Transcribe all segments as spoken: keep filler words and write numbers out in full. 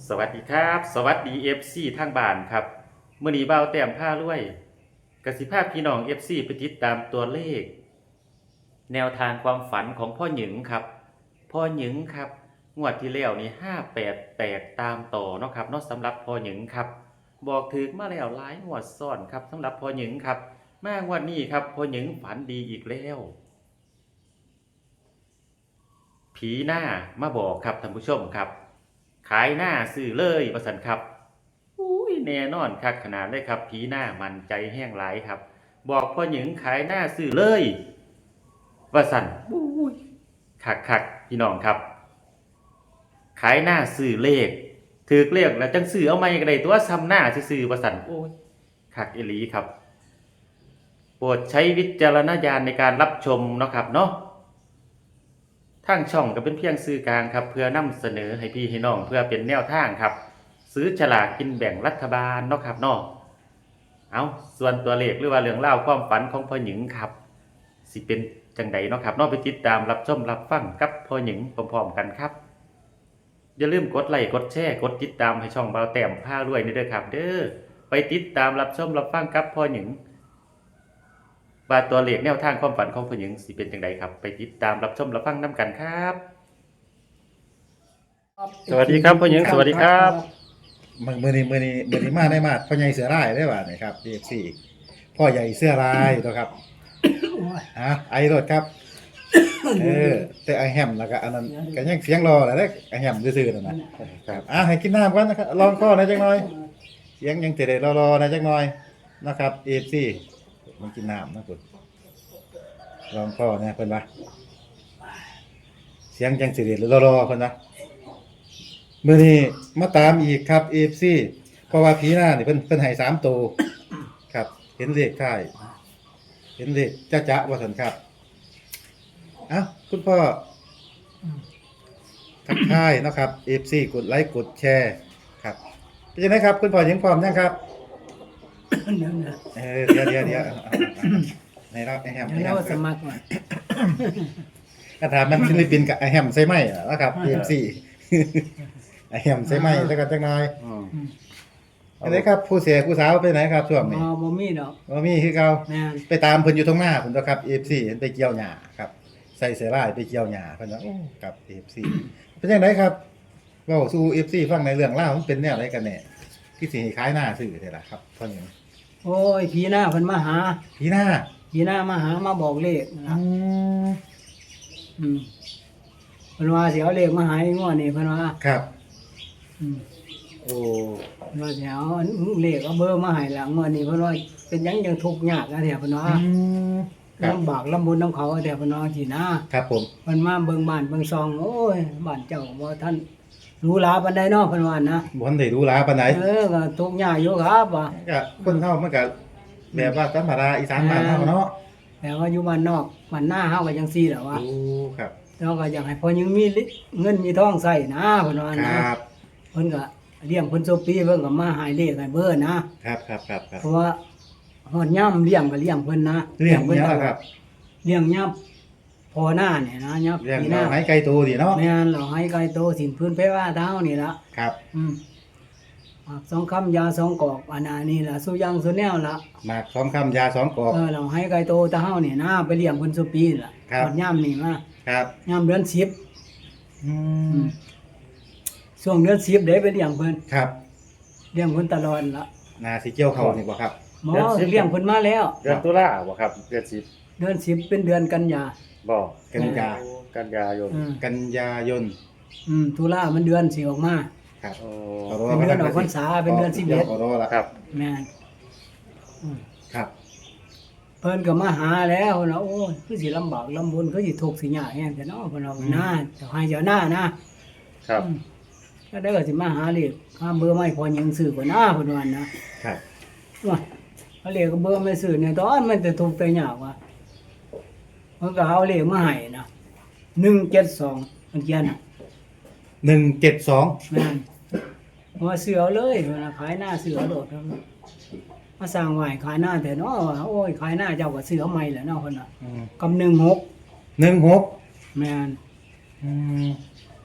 สวัสดีครับสวัสดี เอฟ ซี ทางบ้านครับมื้อนี้บ่าวแต้มพารวยกสิภาพพี่น้อง เอฟ ซี ไปติดตามตัวเลขแนวทางความฝันของพ่อหยึงครับพ่อหยึงครับงวดที่แล้วนี่ห้าแปดแตกตามต่อเนาะครับเนาะสำหรับพ่อหยึงครับบอกถึกมาแล้วหลายงวดซ้อนครับสำหรับพ่อหยึงครับมางวดนี้ครับพ่อหยึงฝันดีอีกแล้วผีหน้ามาบอกครับท่านผู้ชมครับขายหน้าซื้อเลยว่าซั่นครับอุ้ยแน่นอนคักขนาดเลยครับผีหน้ามันใจแห้งหลายครับบอกพ่อหยึงขายหน้าซื้อเลยว่าซั่นอุ้ยคักๆพี่น้องครับขายหน้าซื้อเลขถูกเลขแล้วจังซื้อเอาใหม่ก็ได้ตัวซ้ำหน้าซื่อๆว่าซั่นโอ้ยคักอีหลีครับโปรดใช้วิจารณญาณในการรับชมเนาะครับเนาะทางช่องก็เป็นเพียงสื่อกลางครับเพื่อนำเสนอให้พี่ให้น้องเพื่อเป็นแนวทางครับซื้อฉลากกินแบ่งรัฐบาลเนาะครับเนาะเอาส่วนตัวเลขหรือว่าเรื่องเล่าความฝันของพ่อหญิงครับสิเป็นจังใดเนาะครับเนาะไปติดตามรับชมรับฟังกับพ่อหญิงพร้อมๆกันครับอย่าลืมกดไลค์กดแชร์กดติดตามให้ช่องเบาแต้มพารวยนี่เด้อครับเด้อไปติดตามรับชมรับฟังกับพ่อหญิงว่าตัวเลขแนวทางความฝันของผู้หญิงสิเป็นจังไดครับไปติดตามรับชมรับฟังนํกันครับสวัสดีครับผู้หญิงสวัสดีครับมือมือนี้มือนี้มือนี้มาได้มาพ่อใหญ่เสือร้ายได้ป่ะนี่ครับ เอ เอฟ ซี พ่อใหญ่เสื้อลายตัวครับฮะไอรถครับเออแต่ไอแฮมแล้วก็อันนั้นก็ยังเสียงรอแหละเด้ไอแฮมซื่อๆนั่นนะครับอ่ะให้กินน้ำก่อนนะครับลองข้อหน่อยจักหน่อยเสียงยังจะได้รอๆหน่อยจักหน่อยนะครับ เอ เอฟ ซี มันกินน้ำนะคุณลองข้อเนี่ยเพิ่นว่าเสียงจังสิได้รอๆเพิ่นว่ามื้อนี้มาตามอีกครับ เอ เอฟ ซี เพราะว่าผีหน้านี่เพิ่นเพิ่นให้สามตัวครับเห็นเลขท้ายเห็นเลขจ๊ะๆว่าซั่นครับเอ้าคุณพ่อทักทายเนาะครับ เอ เอฟ ซี กดไลค์กดแชร์ครับเป็นจังได๋ครับคุณพ่อยังพร้อมยังครับเออเดี๋ยวเดี๋ยวเดี๋ยวในเราไอแฮมไอแฮมสมัครมาถ้าถามมันศิลปินกับไอแฮมใช่ไหมนะครับ เอ เอฟ ซี ไอแฮมใช่ไหมสักกันจักหน่อยอันนี้ครับผู้เสียผู้สาวไปไหนครับช่วงนี้อ๋อบ่มีดอกบ่มีคือเก่าไปตามเพิ่นอยู่ตรงหน้าเพิ่นตัวครับ เอ เอฟ ซี เห็นไปเกี่ยวหญ้าครับใส่เสื้อลายไปเกี่ยวหญ้าเพิ่นว่าโอ้ครับ เอ เอฟ ซี เป็นจังไดครับเว้าสู่ เอ เอฟ ซี ฟังในเรื่องราวมันเป็นแนวใดกันแน่ที่สิให้ขายหน้าซื้อได้ล่ะครับเพิ่นหยังโอ้ยผีหน้าเพิ่นมาหาผีหน้าผีหน้ามาหามาบอกเลขนะอืมเพิ่นว่าสิเอาเลขมาให้งวดนี้เพิ่นว่าครับอืมโอ้เพิ่นว่าสิเอาเลขเอาเบอร์มาให้หลังงวดนี้เพิ่นว่าเป็นหยังจังทุกข์ยากอะแท้เพิ่นว่าอืมลำบากลำบนนำเขาอะแท้เพิ่นว่าสินะครับผมเพิ่นมาเบิ่งบ้านเบิ่งซองโอ้ยบ้านเจ้าบ่ทันหรูหราปานใดเนาะเพิ่นว่านะบ่ทันได้หรูหราปานใดเออก็ทุกข์ยากอยู่ครับว่าก็คนเฮามันก็แบบว่าธรรมดาอีสานบ้านเฮาเนาะแต่ว่าอยู่บ้านนอกบ้านหน้าเฮาก็จังซี่แหละว่าโอ้ครับเราก็อยากให้พ่อยังมีเงินมีทองใส่นะเพิ่นว่านะครับเพิ่นก็เลี้ยงเพิ่นโซปีเพิ่นก็มาให้เลขให้เบิ่นนะครับครับๆๆเพราะว่าฮอดยามเลี้ยงก็เลี้ยงเพิ่นนะเลี้ยงเพิ่นครับเลี้ยงยามพอหน้าเนี่ยนะยามเลี้ยงเราให้ไก่โตดิเนาะแม่นเราให้ไก่โตสินพื้นเพว่าเท้านี่ล่ะครับอืมหมากสองคำยาสองกอกอันนี้ล่ะสุยังสุแนวล่ะหมากสองคำยาสองกอกเออเราให้ไก่โตตาเฮานี่นะไปเลี้ยงเพิ่นโซปีล่ะฮอดยามนี่มาครับยามเดือนสิบอืมช่วงเดือนสิบได้ไปเลี้ยงเพิ่นครับเลี้ยงเพิ่นตลอดละนาสิเกี่ยวเขานี่บ่ครับหมอเลี้ยงเพิ่นมาแล้วเดือนตุลาบ่ครับเดือนสิบเดือนสิบเป็นเดือนกันยาบ่กันยากันยายนกันยายนอืมตุลามันเดือนสิออกมาครับเป็นเดือนออกพรรษาเป็นเดือนสิบเอ็ดขอรอละครับแม่นอืมครับเพิ่นก็มาหาแล้วนะโอ้ยคือสิลำบากลำบนคือสิทุกข์สิยากแฮงแต่เนาะเพิ่นว่าหน้าเจ้าให้เจ้าหน้านะครับก็ได้ก็สิมาหาเลขหาเบอร์ไม่พอยังซื้อบ่หน้าเพิ่นว่านะครับว่าเอาเลขก็เบอร์ไม่ซื้อเนี่ยตอนมันจะทุกข์แต่ยากว่าเพิ่นก็เอาเลขมาให้นะหนึ่งเจ็ดสองมันเขียนน่ะหนึ่งเจ็ดสองแม่นว่าซื้อเอาเลยเพิ่นน่ะขายหน้าซื้อเอาโดดมาสร้างไว้ขายหน้าแต่เนาะว่าโอ้ยขายหน้าเจ้าก็ซื้อเอาใหม่แหละเนาะเพิ่นน่ะกับหนึ่งหกหนึ่งหกแม่นอืม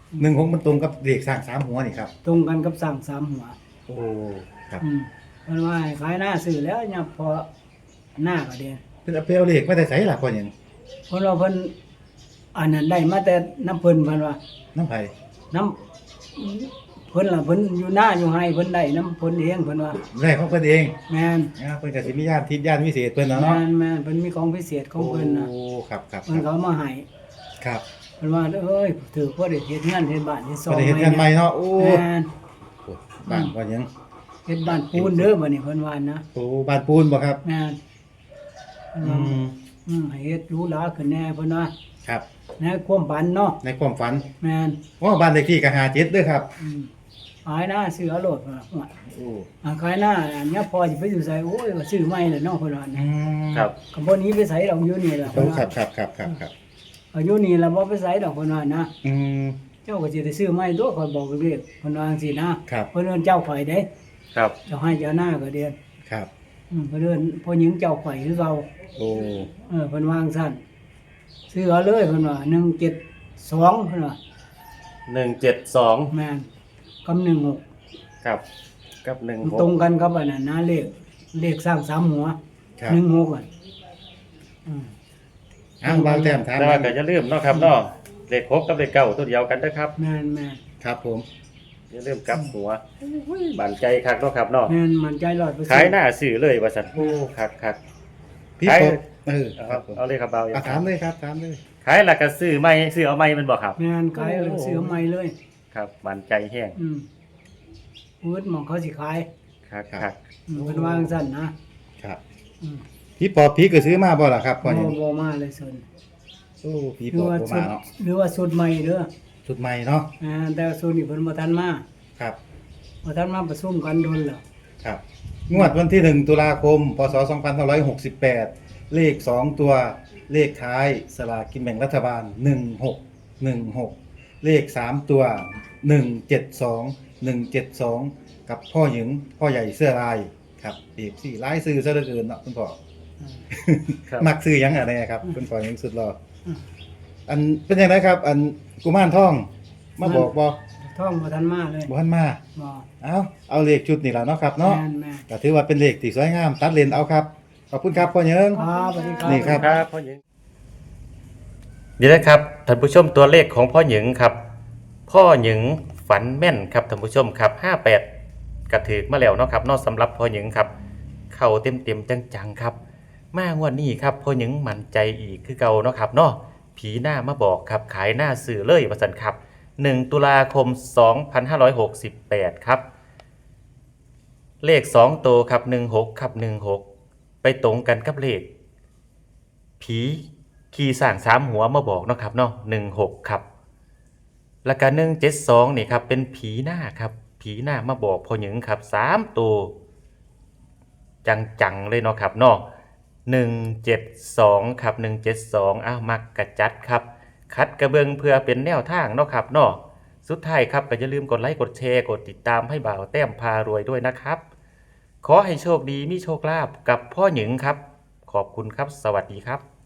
หนึ่งหกมันตรงกับเลขสร้างสามหัวนี่ครับตรงกันกับสร้างสามหัวโอ้ครับอืมเพิ่นว่าให้ขายหน้าซื้อแล้วเนี่ยพอหน้าก็เด้เพิ่นเอาไปเอาเลขมาแต่ไสล่ะพ่อหยังเพิ่นว่าเพิ่นอันนั้นได้มาแต่น้ำเพิ่นเพิ่นว่าน้ำไผน้ำเพิ่นล่ะเพิ่นอยู่หน้าอยู่ให้เพิ่นได้น้ำเพิ่นเองเพิ่นว่าได้ของเพิ่นเองแม่นนะเพิ่นก็สิมีญาณทิพย์ญาณวิเศษเพิ่นเนาะแม่นแม่นเพิ่นมีของพิเศษของเพิ่นน่ะโอ้ครับครับเพิ่นเขาเอามาให้ครับเพิ่นว่าเอ้ยถือว่าได้เฮ็ดงานเฮ็ดบ้านเฮ็ดซอบ่งได้เฮ็ดงานใหม่เนาะโอ้แม่นบ้านพ่อหยังเฮ็ดบ้านปูนเด้อบัดนี้เพิ่นว่านะโอ้บ้านปูนบ่ครับแม่นเพิ่นอืว่าม อืมให้เฮ็ดหรูหราขึ้นแน่เพิ่นว่าครับในความฝันเนาะในความฝันแม่นว่าบ้านเลขที่ก็ห้าเจ็ดเด้อครับอืมขายหน้าซื้อเอาโลดเพิ่นว่าว่าโอ้อ่าขายหน้าอันเนี้ยพอสิไปอยู่ไสโอ้ยก็ซื้อใหม่แหละเนาะเพิ่นว่าอืนะมครับก็บ่หนี้ไปไสดอกอยู่นี่แหละโอ้เพิ่นครัว่าบครับครับครับครับอายุนี่ล่ะบ่ไปไสดอกเพิ่นว่านะอืมเจ้าก็สิได้ซื้อใหม่ตัวข่อยบอกเรียกเพิ่นว่าจังซี่นะครับ เพิ่นเอิ้นเจ้าข่อยเด้ครับเจ้าให้เจ้าหน้าก็เด้ครับอืมเพิ่นเอิ้นพ่อหญิงเจ้าข่อยคือเก่าโอ้เออเพิ่นวาจั่งซั่นซื้อเอาเลยเพิ่นว่าหนึ่งเจ็ดสองเพิ่นว่าหนึ่งเจ็ดสองแม่นกับหนึ่งหกครับกับหนึ่งมันหกตรงกันกับอันนั้นนะเลขเลขสร้างสามหัวครับหนึ่งหกอ่ะอืมอ้าวบางแต้มถามแต่ว่าก็อย่าลืมเนาะครับเนาะเลขหกกับเลขเก้าตัวเดียวกันเด้อครับแม่นแม่นครับผมอย่าลืมกลับหัวบันใจคักเนาะครับเนาะแม่นมั่นใจร้อยเปอร์เซ็นต์ขายหน้าสื่อเลยว่าซั่นโอ้คักคักพี่ใครปอเออเอาครับผมเอาเลยครับเบาอ่ะถามเลยครับถามเลยขายแล้วก็ซื้อใหม่ซื้อเอาใหม่มันบ่ครับแม่นขายเลยซื้อใหม่เลยครับบันใจแห้งอืมพูดหมองเขาสิขายคักคักอืมเพิ่นวาจั่งซั่นนะครับ อืมพี่ปอพี่ก็ซื้อมาบ่ล่ะครับพ่อบ่หยังบ่มาเลยส่วนโอ้พี่หรืปออว่าบ่สุมาดเนาะหรือว่าสุดใหม่เด้อชุดใหม่เนาะอ่าแต่ว่าสุดนี่เพิ่นบ่ทันมาครับบ่ทันมาประชุมกันโดนแล้วครับงวดวันที่หนึ่งตุลาคมพศสองพันห้าร้อยหกสิบแปดเลขสองตัวเลขท้ายสลากกินแบ่งรัฐบาลหนึ่งหกหนึ่งหกเลขสามตัวหนึ่งเจ็ดสองหนึ่งเจ็ดสองกับพ่อหญิงพ่อใหญ่เสื้อลายครับเอฟสี่ลายซื้อซะเหลือเกินเนาะคุณพ่ออืมครับมักซื้อหยังอะไรครับคุณพ่อยังสุดรออืมอันเป็นยังไงครับ อันกุมารทองมาบอกบ่ท่องบ่ทันมาเลยบ่ทันมาบ่เอาเอาเลขชุดนี่ล่ะเนาะครับเนาะแม่นแม่ก็ถือว่าเป็นเลขที่สวยงามตัดเลนเอาครับขอบคุณครับพ่อเหยิงครับสวัสดีครับนี่ครับครับพ่อหญิงเดี๋ยวนะครับท่านผู้ชมตัวเลขของพ่อหญิงครับ พ่อหญิงฝันแม่นครับท่านผู้ชมครับห้าแปดกระถือมาแล้วเนาะครับเนอกสำหรับพ่อหญิงครับ เข้าเต็มเต็มๆจังๆครับ มางวดนี้ครับพ่อหญิงมั่นใจอีกคือเก่าเนาะครับเนาะผีหน้ามาบอกครับขายหน้าสื่อเลยว่าซั่นครับหนึ่งตุลาคมสองพันห้าร้อยหกสิบแปดครับ เลขสองตัวครับหนึ่งหกครับหนึ่งหกไปตรงกันกับเลข ผีขี่สร้างสามหัวมาบอกเนาะครับเนาะหนึ่งหกครับแล้วก็หนึ่งเจ็ดสองนี่ครับเป็นผีหน้าครับผีหน้ามาบอกพอหญิงครับสามตัวจังๆเลยเนาะครับเนาะหนึ่งเจ็ดสองครับหนึ่งเจ็ดสองอ้าวมักกระจัดครับคัดกระเบิงเพื่อเป็นแนวทางเนาะครับเนาะสุดท้ายครับก็อย่าลืมกดไลค์กดแชร์กดติดตามให้บ่าวแต้มพารวยด้วยนะครับ ขอให้โชคดีมีโชคลาภกับพ่อหญิงครับ ขอบคุณครับสวัสดีครับ